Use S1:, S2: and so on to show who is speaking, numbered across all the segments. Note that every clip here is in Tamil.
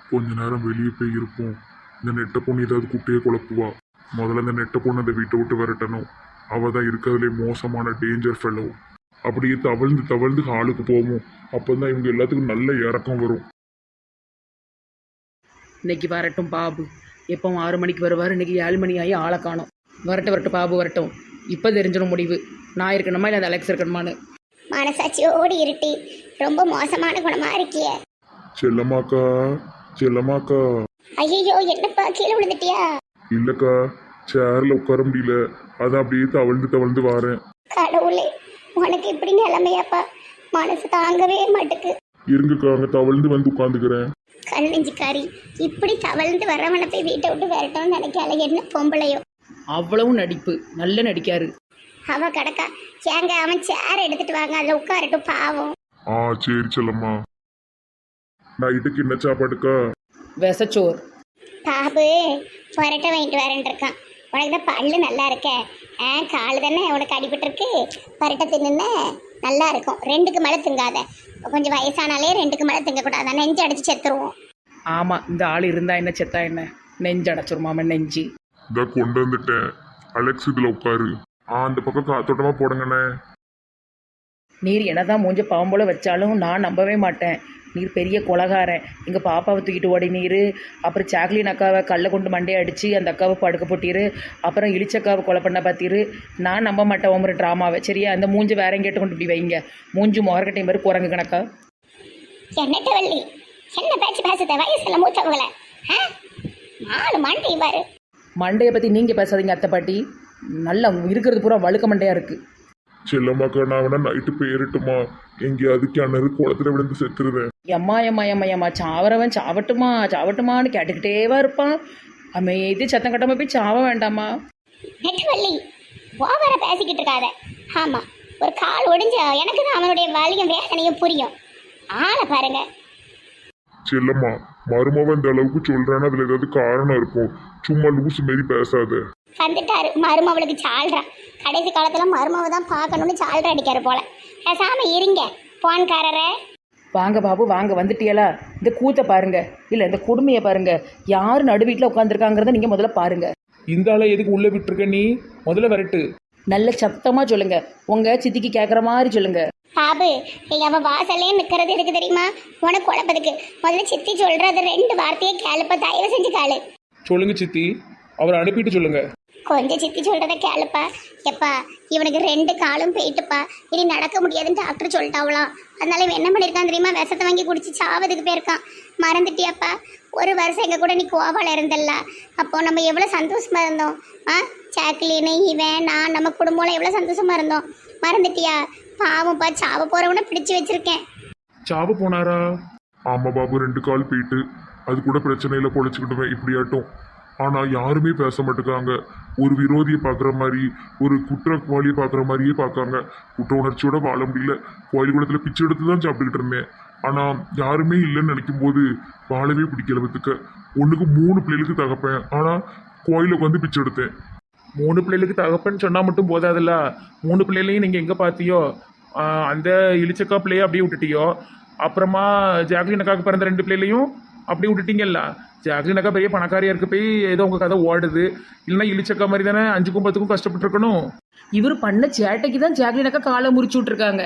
S1: கொஞ்ச நேரம் வெளியே போய் இருப்போம். இந்த நெட்ட பொண்ணு ஏதாவது குட்டையை குழப்புவா. முதல்ல இந்த நெட்ட பொண்ணு அந்த வீட்டை விட்டு விரட்டணும். அவள் தான் இருக்கிறதுலே மோசமான டேஞ்சர் ஃபெல்லோ. அப்படியே தவழ்ந்து தவழ்ந்து ஹாலுக்கு போவோம். அப்போ தான் இவங்க எல்லாத்துக்கும் நல்ல இறக்கம் வரும்.
S2: இன்னைக்கு வரட்டும் பாபு. எப்போ 6 மணிக்கு வருவார், இன்னைக்கு 7 மணி ஆகி ஆளை காணும். வரட்டும் வரட்டும் பாபு வரட்டும். இப்போ தெரிஞ்சிடும் முடிவு, நான் இருக்கணுமா இல்லை அந்த அலெக்ஸ் இருக்கணுமான்னு.
S3: மனசாட்சியோடு இருட்டி ரொம்ப மோசமான குணமா இருக்கிய.
S1: செல்லம்மாக்கா, செல்லம்மாக்கா.
S3: ஐயோ என்னப்பா கீழே விழுந்துட்டியா?
S1: இல்லக்கா, சேர்ல உட்கார முடியல, அதான் அப்படியே தவழ்ந்து தவழ்ந்து வாரேன்.
S3: கடவுளே, உனக்கு இப்படி நிலைமையாப்பா? மனசு தாங்கவே மாட்டுக்கு.
S1: இருங்கக்கா, அங்கே தவழ்ந்து வந்து உட்காந்துக்கிறேன்.
S3: கல் நெஞ்சுக்காரி, இப்படி தவழ்ந்து வரவனை போய் வீட்டை விட்டு விரட்டணும்னு நினைக்கால. என்ன பொம்பளையோ,
S2: அவ்வளவு நடிப்பு, நல்ல நடிக்காரு.
S3: அவ கிடக்கா. ஏங்க அவன் சேர் எடுத்துட்டு வாங்க, அதில் உட்காரட்டும் பாவம்.
S1: ஆ சரி செல்லம்மா. நைட்டுக்கு என்ன சாப்பாடுக்கா?
S2: விசச்சோர்.
S3: பாபு பரட்டை வாங்கிட்டு வரேன் இருக்கான். உனக்கு தான் பல்லு நல்லா இருக்க. காலு தானே உனக்கு அடிபட்டுருக்கு. பரட்டை தின்னுன்னு நல்லா இருக்கும். 2க்கு மேலே திங்காத. கொஞ்சம் வயசானாலே 2க்கு மேலே திங்கக்கூடாது, நெஞ்சு அடிச்சு செத்துருவோம்.
S2: ஆமாம், இந்த ஆள் இருந்தா என்ன செத்தா என்ன, நெஞ்சு அடைச்சிருமாம நெஞ்சு.
S1: இதான் கொண்டு வந்துட்டேன். அலெக்ஸ் இதில் உட்காரு. அந்த பக்கம் காத்தோட்டமாக போடுங்கண்ணே.
S2: நீர் என்னதான் மூஞ்ச பாம்போல வச்சாலும் நான் நம்பவே மாட்டேன். நீர் பெரிய கொலகாரன். எங்கள் பாப்பாவை தூக்கிட்டு ஓடி நீர், அப்புறம் சாக்லின் அக்காவை கல்லை கொண்டு மண்டையை அடித்து அந்த அக்காவை படுக்க போட்டிரு, அப்புறம் இளிச்சக்காவை கொலை பண்ண பார்த்திரு. நான் நம்ப மாட்டேன் ஒரு ட்ராமாவை. சரியா, அந்த மூஞ்சி வேற எங்கேட்டு கொண்டு இப்படி வைங்க. மூஞ்சி மொரக்கட்டை மாதிரி குரங்கு கணக்கா.
S3: என்னட்ட வள்ளி, என்ன பேச்சு பேசுத? வயசுல மூத்தவங்கள 4 மண்டை பாரு.
S2: மண்டையை பற்றி நீங்கள் பேசாதீங்க அத்தை பாட்டி. நல்லா இருக்கிறது பூரா வழுக்க மண்டையாக இருக்குது.
S1: செல்லம்மாக்கா, நான் வேணா நைட்டு போயிரட்டுமா? எங்கேயாவது கிணறு குளத்துல விழுந்து செத்துருவேன்.
S2: எம்மா எம்மா எம்மா எம்மா, சாவரவன் சாவட்டுமா சாவட்டுமான்னு கேட்டுக்கிட்டேவா இருப்பான். அமைதி சத்தம் கட்டாம போய் சாவ வேண்டாமா?
S3: நெட்டவள்ளி, ஓவரா பேசிக்கிட்டு இருக்காத. ஆமா, ஒரு கால் ஒடிஞ்ச எனக்கு தான் அவனுடைய வலியும் வேதனையும் புரியும். ஆளை பாருங்க.
S1: செல்லம்மா, மருமவன் இந்த அளவுக்கு சொல்றான்னு அதுல ஏதாவது காரணம் இருக்கும். சும்மா லூசு மாரி பேசாத.
S3: வந்துட்டாரு மருமவளுக்கு சால்றா. கடைசி காலத்துல மருமவ தான் பார்க்கணும்னு சால்றா அடிக்காரு போல. பேசாம இருங்க போன்காரரே.
S2: வாங்க பாபு வாங்க, வந்துட்டியலா? இந்த கூத்தை பாருங்க, இல்லை இந்த கொடுமையை பாருங்க. யார் நடு வீட்டில் உட்காந்துருக்காங்கிறத நீங்கள் முதல்ல பாருங்க.
S4: இந்த ஆளை எதுக்கு உள்ளே விட்டுருக்க நீ? முதல்ல வரட்டு.
S2: நல்ல சத்தமாக சொல்லுங்க, உங்கள் சித்திக்கு கேட்குற மாதிரி சொல்லுங்க.
S3: பாபு, நீங்க அவ வாசல்லே நிக்கிறது எதுக்கு தெரியுமா? உனக்கு குழப்பதுக்கு. முதல்ல சித்தி சொல்றது 2 வார்த்தையை கேளுப்பா, தயவு செஞ்சு கேளு.
S4: சொல்லுங்க சித்தி, அவரை அனுப்பிட்டு சொல்லுங்க.
S3: கொஞ்சம் சித்தி சொல்றத கேளுப்பா. எப்பா, இவனுக்கு 2 காலும் போயிட்டுப்பா, இனி நடக்க முடியாதுன்னு டாக்டர் சொல்லிட்டாவலாம். அதனால இவன் என்ன பண்ணியிருக்கான் தெரியுமா? விஷத்தை வாங்கி குடிச்சு சாவதுக்கு போயிருக்கான். மறந்துட்டியாப்பா? 1 வருஷம் எங்க கூட நீ கோவால இருந்தல்ல, அப்போ நம்ம எவ்வளவு சந்தோஷமா இருந்தோம். சாக்லின்னு இவன் நான் நம்ம குடும்பம் எவ்வளவு சந்தோஷமா இருந்தோம். மறந்துட்டியா? பாவம்ப்பா, சாவ போறவனை பிடிச்சு வச்சிருக்கேன்.
S4: சாவு போனாரா?
S1: ஆமா பாபு, 2 கால் போயிட்டு. அது கூட பிரச்சனையில பொழைச்சிக்கிட்டுவேன் இப்படியாட்டும். ஆனா யாருமே பேச மாட்டேங்காங்க. ஒரு விரோதியை பார்க்குற மாதிரி, ஒரு குற்றவாளியை பார்க்குற மாதிரியே பார்க்காங்க. குற்ற உணர்ச்சியோட வாழ முடியல. கோயில் குளத்துல பிச்சை எடுத்து தான் சாப்பிட்டுக்கிட்டு இருந்தேன். ஆனா யாருமே இல்லைன்னு நினைக்கும் போது வாழவே பிடிக்கல. பத்துக்க 1க்கு 3 பிள்ளைகளுக்கு தகப்பேன், ஆனா கோயிலுக்கு வந்து பிச்சை எடுத்தேன்.
S4: 3 பிள்ளைகளுக்கு தகப்பன்னு சொன்னா மட்டும் போதாதுல்ல. 3 பிள்ளைகளையும் நீங்க எங்க பாத்தியோ? அந்த இளிச்சக்கா பிள்ளைய அப்படியே விட்டுட்டியோ, அப்புறமா ஜாக்லின் அக்காவுக்கு பிறந்த 2 பிள்ளைகளையும் அப்படியே விட்டுட்டீங்கல்ல. ஜாக்லின் அக்கா பெரிய பணக்காரியா இருக்க போய் ஏதோ உங்க கதை ஓடுது. இல்லைன்னா இளிச்சக்கா மாதிரி தானே 5க்கும் 10க்கும் கஷ்டப்பட்டு இருக்கணும்.
S2: இவர் பண்ண சேட்டைக்கு தான் ஜாக்லின் அக்கா காலை முறிச்சு விட்ருக்காங்க.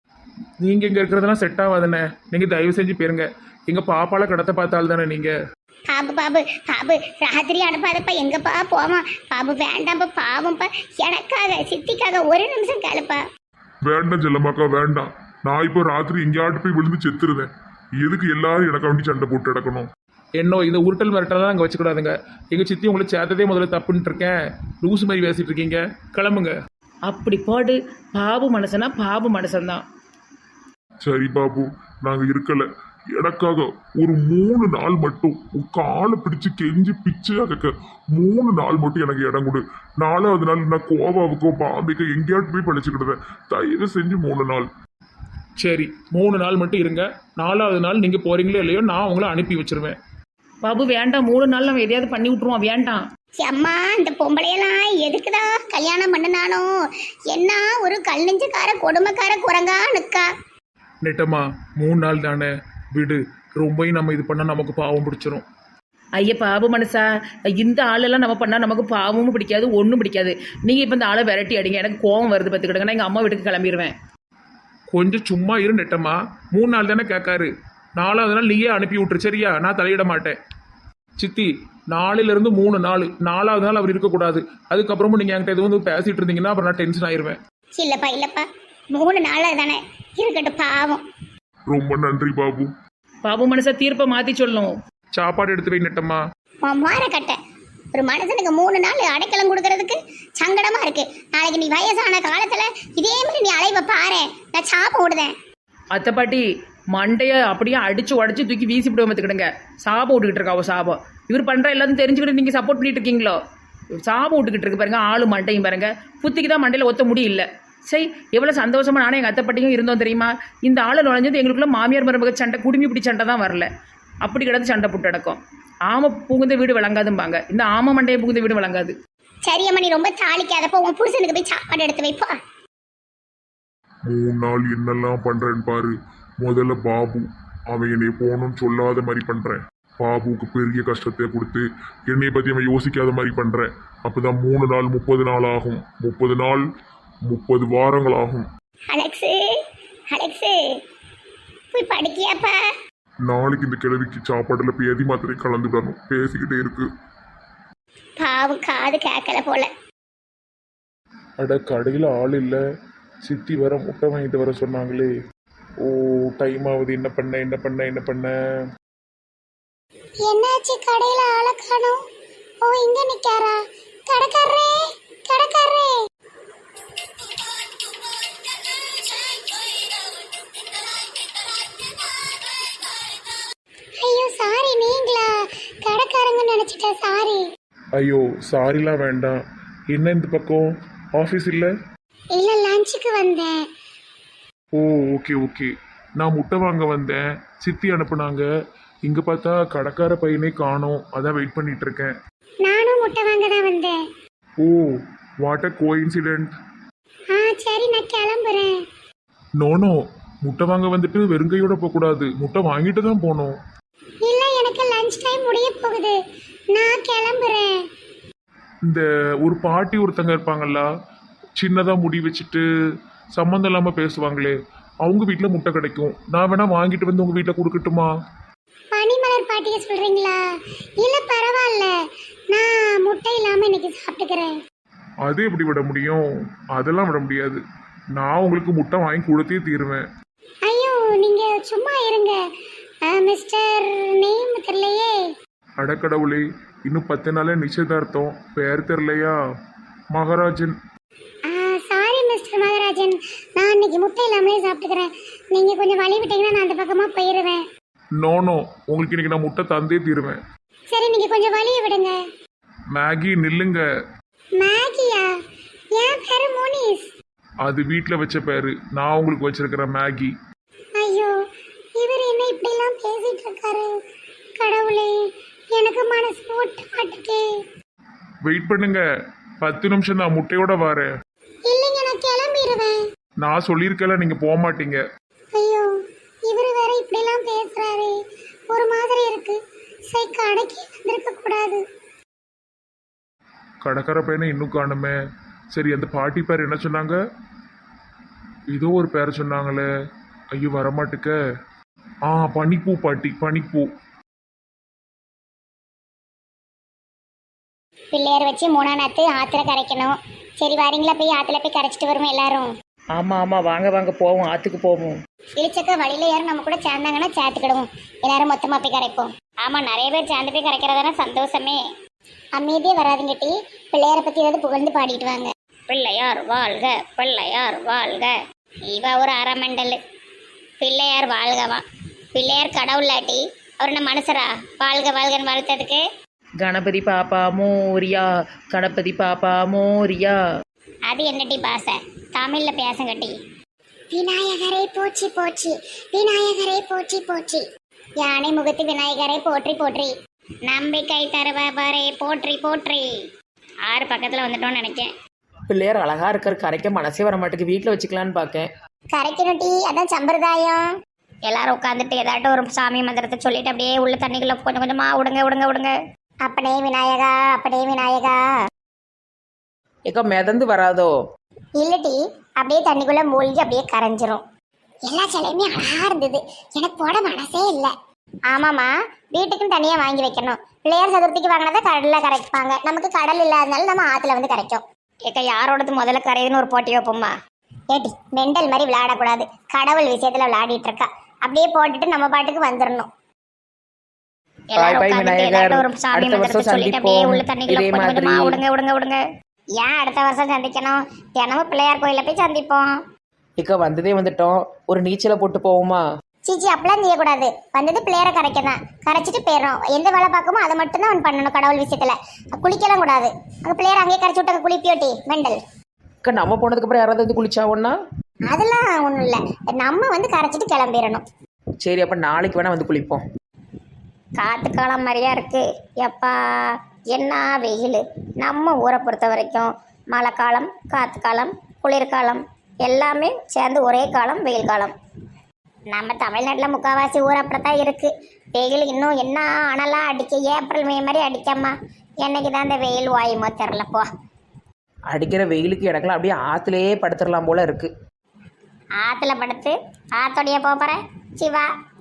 S4: நீங்க இங்க இருக்கிறதெல்லாம் செட் ஆகாதுண்ணே. நீங்க தயவு செஞ்சு போயிருங்க. எங்க பாப்பால கடத்த பார்த்தால் தானே நீங்க.
S3: பாபு பாபு பாபு, ராத்திரி அனுப்பாதப்பா. எங்கப்பா போவான்? பாபு வேண்டாம்ப்பா, பாவம்ப்பா. எனக்காக சித்திக்காக 1 நிமிஷம் கேளுப்பா.
S1: வேண்டாம் செல்லம்மாக்கா, வேண்டாம். நான் இப்போ ராத்திரி எங்கேயாட்டு போய் விழுந்து செத்துருவேன். எதுக்கு எல்லாரும் எனக்கு வேண்டி சண்டை போட்டு கிடக்கணும்?
S4: என்ன இந்த உருட்டல் மிரட்டலாம் அங்கே வச்சுக்கூடாதுங்க. எங்கள் சித்தி உங்களை சேர்த்ததே முதல்ல தப்புன்ட்டு இருக்கேன். லூசு மாதிரி பேசிட்டு இருக்கீங்க. கிளம்புங்க.
S2: அப்படி போடு. பாபு மனசனா பாபு மனசன்தான்.
S1: சரி பாபு, நாங்க இருக்கல. எனக்காக ஒரு 3 நாள் மட்டும் காலை பிடிச்சு கெஞ்சி பிச்சையா கேட்க 3 நாள் மட்டும் எனக்கு இடம் கொடு. 4வது நாள் நான் கோவாவுக்கோ பாம்பேக்கோ எங்கேயாட்டு போய் பழிச்சுக்கிடுவேன். தயவு செஞ்சு 3 நாள்.
S4: சரி, 3 நாள் மட்டும் இருங்க. 4வது நாள் நீங்கள் போகிறீங்களோ இல்லையோ நான் உங்களை அனுப்பி வச்சிருவேன்.
S2: பாபு வேண்டாம், 3 நாள் நம்ம எதையாவது பண்ணி விட்ருவோம். வேண்டாம்.
S3: அம்மா, இந்த பொம்பளையெல்லாம் எதுக்குதான் கல்யாணம் பண்ணினானோ? என்ன ஒரு கல் நெஞ்சக்கார கொடுமைக்கார குரங்கா நிக்கா.
S4: நெட்டம்மா, 3 நாள் தானே, விடு, ரொம்பவும் நம்ம இது பண்ணால் நமக்கு பாவம் பிடிச்சிரும்.
S2: ஐயா பாபு மனசா, இந்த ஆளெல்லாம் நம்ம பண்ணால் நமக்கு பாவமும் பிடிக்காது, ஒன்றும் பிடிக்காது. நீங்கள் இப்போ இந்த ஆளை விரட்டி அடிங்க, எனக்கு கோவம் வருது பார்த்துக்கிடுங்க. நான் எங்கள் அம்மா வீட்டுக்கு கிளம்பிடுவேன்.
S4: கொஞ்சம் சும்மா இரு நெட்டம்மா. 3 நாள் தானே கேட்காரு, 4வது நாள் நீயே அனுப்பி விட்டுரு சரியா? நான் தலையிட மாட்டேன். சித்தி, 4லேருந்து 3 நாள், 4வது நாள் அவர் இருக்கக்கூடாது. அதுக்கப்புறமும் நீங்கள் என்கிட்ட எதுவும் வந்து பேசிகிட்டு இருந்தீங்கன்னா அப்புறம் நான் டென்ஷன் ஆயிடுவேன்.
S3: இல்லப்பா இல்லப்பா, 3 நாள் தானே இருக்கட்டும், பாவம்.
S1: ரொம்ப நன்றி பாபு.
S2: பாபு மனசா தீர்ப்பை மாற்றி சொல்லணும்.
S4: சாப்பாடு எடுத்து வை நெட்டம்மா.
S3: மாற கட்ட ஒரு மனுஷனுக்கு 3 நாள் அடைக்கலம் கொடுக்கறதுக்கு சங்கடமா இருக்கு. நாளைக்கு நீ வயசான காலத்துல இதே மாதிரி நீ அலைவ பாரு, நான் சாப்ப விடுதேன்.
S2: அத்தை பாட்டி மண்டையை அப்படியே அடிச்சு உடச்சி தூக்கி வீசி விடுவோம் பார்த்துக்கிடுங்க. சாபம் விட்டுக்கிட்டு இருக்கா அவள் சாபம். இவர் பண்ணுற எல்லாத்தையும் தெரிஞ்சுக்கிட்டு நீங்கள் சப்போர்ட் பண்ணிட்டு இருக்கீங்களோ? சாபம் விட்டுக்கிட்டு இருக்கு பாருங்க, ஆளு மண்டையும் பாருங்க. புத்திக்கு தான் மண்டையில் ஒத்த முடியல. சரி, எவ்வளோ சந்தோஷமா நானும் எங்கள் அத்தை பாட்டியும் இருந்தோம் தெரியுமா? இந்த ஆளை நுழைஞ்சது எங்களுக்குள்ள மாமியார் மருமக சண்டை, குடுமி பிடி சண்டை தான் வரல. அப்படி கிடந்து சண்டை போட்டு அடக்கும். ஆமை புகுந்த வீடு விளங்காதும்பாங்க, இந்த ஆமை மண்டையை புகுந்த வீடு விளங்காது.
S3: சரியம்மா, நீ ரொம்ப தாளிக்காதப்போ உன் புருஷனுக்கு போய் சாப்பாடு எடுத்து வைப்பா.
S1: 3 நாள் என்னெல்லாம் பண்றேன்னு பாரு. முதல்ல பாபு, அவன் என்னை போகணும்னு சொல்லாத மாதிரி பண்றேன். பாபுக்கு பெரிய கஷ்டத்தை கொடுத்து என்னை பத்தி அவன் யோசிக்காத மாதிரி பண்றேன். அப்பதான் 3 நாள் 30 நாள் ஆகும். 30 நாள் 30 வாரங்கள் ஆகும்.
S3: அலெக்ஸு அலெக்ஸு போய் படிக்கியாப்பா?
S1: நாளைக்கு இந்த கிழவிக்கு சாப்பாடுல பேதி மாத்திரை கலந்துடணும். பேசிக்கிட்டே இருக்கு.
S3: பாவம், காது கேட்கல போல.
S4: அட, கடையில் ஆள் இல்லை. சித்தி வர முட்டை வாங்கிட்டு வர சொன்னாங்களே. ஓ, டைம் ஆகுது. என்ன பண்ண
S3: என்னாச்சு? கடையில ஆளை காணோம். ஓ, இங்க நிக்காரா? கடைக்காரரே, கடைக்காரரே. ஐயோ சாரி, நீங்களா? கடைக்காரங்க நினைச்சிட்டேன், சாரி.
S4: ஐயோ, சாரிலாம் வேண்டாம். என்ன இந்த பக்கம் ஆஃபீஸ் இல்லை?
S3: இல்ல, லஞ்சுக்கு வந்தேன்.
S4: Oh, okay. நான் முட்டை வாங்க வந்தேன், சித்தி அனுப்புனாங்க. இங்கே பார்த்தா கடைக்கார பையனே காணோம், அதான் வெயிட் பண்ணிட்டு இருக்கேன்.
S3: நானும் முட்டை வாங்க தான் வந்தேன்.
S4: Oh, what a coincidence.
S3: சரி, நான் கிளம்புறேன்.
S4: நோ, முட்டை வாங்க வந்துட்டு வெறுங்கையோட போகக்கூடாது, முட்டை வாங்கிட்டு தான் போகணும்.
S3: இல்ல, எனக்கு லஞ்ச் டைம் முடிய போகுது, நான் கிளம்புறேன்.
S4: இந்த ஒரு பாட்டி ஒருத்தங்க இருப்பாங்கல்ல, சின்னதாக முடி வச்சுட்டு சம்மந்தம் இல்லாமல் பேசுவாங்களே, அவங்க வீட்டில் முட்டை கிடைக்கும். நான் வேணா வாங்கிட்டு வந்து உங்கள் வீட்டில் கொடுக்கட்டுமா?
S3: பனிமலர் பாட்டியை சொல்றீங்களா? இல்ல பரவாயில்ல, நான் முட்டை இல்லாம இன்னைக்கு சாப்பிட்டுக்கிறேன்.
S4: அது எப்படி விட முடியும்? அதெல்லாம் விட முடியாது. நான் உங்களுக்கு முட்டை வாங்கி கொடுத்தே தீருவேன்.
S3: ஐயோ, நீங்க சும்மா இருங்க. மிஸ்டர் நேம் தெரியலையே.
S4: அடக்கடவுளே, இன்னும் 10 நாளே நிச்சயதார்த்தம். பேர் தெரியலையா? மகாராஜன்.
S3: சாரி மிஸ்டர் மகராஜன், நான் இன்னைக்கு முட்டை இல்லாமலே சாப்பிட்டுக்கிறேன். நீங்க கொஞ்சம் வழி விட்டீங்கன்னா நான் அந்த பக்கமா போயிருவேன்.
S4: நோ, உங்களுக்கு இன்னைக்கு நான் முட்டை தந்தே தீருவேன்.
S3: சரி, நீங்க கொஞ்சம் வழியை விடுங்க.
S4: மேகி நில்லுங்க.
S3: மேகியா? என் பேரு மோனிஸ்.
S4: அது வீட்டில் வச்ச பேரு, நான் உங்களுக்கு வச்சிருக்கிற மேகி.
S3: ஐயோ, இவர் என்ன இப்படிலாம் பேசிட்டு இருக்காரு? கடவுளே, எனக்கு மனசு ஒட்ட மாட்டுக்கே.
S4: வெயிட் பண்ணுங்க, 10 நிமிஷம் நான் முட்டையோட வரேன்.
S3: இல்லைங்க, நான் கிளம்பிடுவேன்.
S4: நான் சொல்லியிருக்கல, நீங்கள் போக மாட்டீங்க.
S3: ஐயோ, இவர் வேற இப்படிலாம் பேசுறாரு, ஒரு மாதிரி இருக்கு. சரி, கடைக்கு வந்திருக்க கூடாது.
S4: கடைக்கார பையனை இன்னும் காணுமே. சரி, அந்த பாட்டி பேர் என்ன சொன்னாங்க? ஏதோ ஒரு பேர் சொன்னாங்களே. ஐயோ, வரமாட்டுக்க. பனிப்பூ பாட்டி, பனிப்பூ.
S3: பிள்ளையார் வச்சு 3ஆம் நாத்து ஆத்துல கரைக்கணும். சரி, வரீங்களா? போய் ஆத்துல போய் கரைச்சிட்டு வருவோம் எல்லாரும்.
S2: ஆமாம் வாங்க போவோம், ஆற்றுக்கு போவோம்.
S3: இழிச்சக்க வழியில யாரும் நம்ம கூட சேர்ந்தாங்கன்னா சேர்த்துக்கிடுவோம். எல்லாரும் மொத்தமா போய் கரைப்போம். ஆமா, நிறைய பேர் சேர்ந்து போய் கரைக்கிறதான சந்தோஷமே. அமைதியே வராதுங்க டி. பிள்ளையாரை பத்தி ஏதாவது புகழ்ந்து பாடிட்டு வாங்க. பிள்ளையார் வாழ்க, பிள்ளையார் வாழ்க. இவ ஒரு அறமண்டல். பிள்ளையார் வாழ்கவா? பிள்ளையார் கடவுளாட்டி அவர் என்ன மனுஷரா? வாழ்க வாழ்கன்னு வாழ்த்ததுக்கு.
S2: கணபதி பாப்பா மோரியா, கணபதி பாப்பா மோரியா.
S3: அது என்னட்டி பாச? தமிழ்ல பேசங்கட்டி. விநாயகரை போற்றி போற்றி, விநாயகரை போற்றி போற்றி. யானை முகத்து விநாயகரை போற்றி போற்றி. நம்பிக்கை தருபவரை போற்றி போற்றி. 6 பக்கத்துல வந்துட்டோம்னு நினைக்கேன்.
S2: பிள்ளையார் அழகா இருக்கார், கரைக்க மனசே வர மாட்டேங்குது. வீட்டில் வச்சுக்கலான்னு பார்க்கேன்.
S3: கரைக்கணும் டி, அதான் சம்பிரதாயம். எல்லாரும் உட்காந்துட்டு ஏதாட்டும் ஒரு சாமி மந்திரத்தை சொல்லிட்டு அப்படியே உள்ள தண்ணிக்குள்ள கொஞ்சம் கொஞ்சமா விடுங்க விடுங்க விடுங்க. அப்பனே விநாயகா, அப்பனே விநாயகா.
S2: ஏக்கா மிதந்து வராதோ?
S3: இல்லட்டி அப்படியே தண்ணிக்குள்ள மூழ்கி அப்படியே கரைஞ்சிரும். எல்லா சிலையுமே அழகா இருந்தது, எனக்கு போட மனசே இல்லை. ஆமாம்மா, வீட்டுக்குன்னு தனியாக வாங்கி வைக்கணும். பிள்ளையார் சதுர்த்திக்கு வாங்கினதை கடலில் கரைப்பாங்க, நமக்கு கடல் இல்லாதனால நம்ம ஆற்றுல வந்து கரைக்கும். ஏக்கா யாரோடது முதல்ல கரையுதுன்னு ஒரு போட்டி வைப்போம்மா. ஏட்டி மெண்டல் மாதிரி விளையாடக்கூடாது, கடவுள் விஷயத்தில் விளையாடிட்டு இருக்கா. அப்படியே போட்டுட்டு நம்ம பாட்டுக்கு வந்துடணும்.
S2: பாய் பாய் விநாயகர்,
S3: ஒரு சாமி
S2: அடுத்த
S3: மந்திரத்தை
S2: வருஷம்
S3: சொல்லிட்டு அப்படியே
S2: சந்திப்போம்.
S3: உள்ள தண்ணிக்குள்ள
S2: இதே
S3: கொஞ்சம் கொஞ்சமா
S2: மாதிரி
S3: விடுங்க விடுங்க விடுங்க. ஏன் அடுத்த வருஷம் சந்திக்கணும்? தினமும் பிள்ளையார் கோயில போய் சந்திப்போம்.
S2: ஏக்கா வந்ததே வந்துட்டோம், ஒரு நீச்சலை போட்டு போவோமா?
S3: சீச்சி அப்படிலாம் செய்யக்கூடாது. வந்தது பிள்ளையார கரைக்க தான், கரைச்சிட்டு போயிடும். எந்த வேலை பார்க்குமோ அதை மட்டும்தான் அவன் பண்ணணும். கடவுள் விஷயத்துல குளிக்கலாம் கூடாது. அங்கே பிள்ளையார அங்கேயே கரைச்சி விட்டு அங்கே குளிப்பியோட்டி மெண்டல்.
S2: அக்கா நம்ம போனதுக்கு அப்புறம் யாராவது வந்து குளிச்சாவோன்னா?
S3: அதெல்லாம் ஒன்றும் இல்லை, நம்ம வந்து கரைச்சிட்டு கிளம்பிடணும்.
S2: சரி, அப்ப நாளைக்கு வேணா வந்து குளிப்போம்.
S3: காத்து காலம் மாதிரியா இருக்கு. எப்பா என்ன வெயில்! நம்ம ஊரை பொறுத்த வரைக்கும் மழை காலம், காத்து காலம், குளிர்காலம் எல்லாமே சேர்ந்து ஒரே காலம், வெயில் காலம். நம்ம தமிழ்நாட்டில் முக்கால்வாசி ஊர் அப்படித்தான் இருக்கு. வெயில் இன்னும் என்ன அனலாக அடிக்க, ஏப்ரல் மே மாதிரி அடிக்காமா. என்னைக்கு தான் இந்த வெயில் வாயுமோ தெரிலப்போ.
S2: அடிக்கிற வெயிலுக்கு எனக்குலாம் அப்படியே ஆத்துலயே படுத்துடலாம் போல இருக்கு.
S3: ஆற்றுல படுத்து ஆத்தோடைய போகிறேன் சிவா.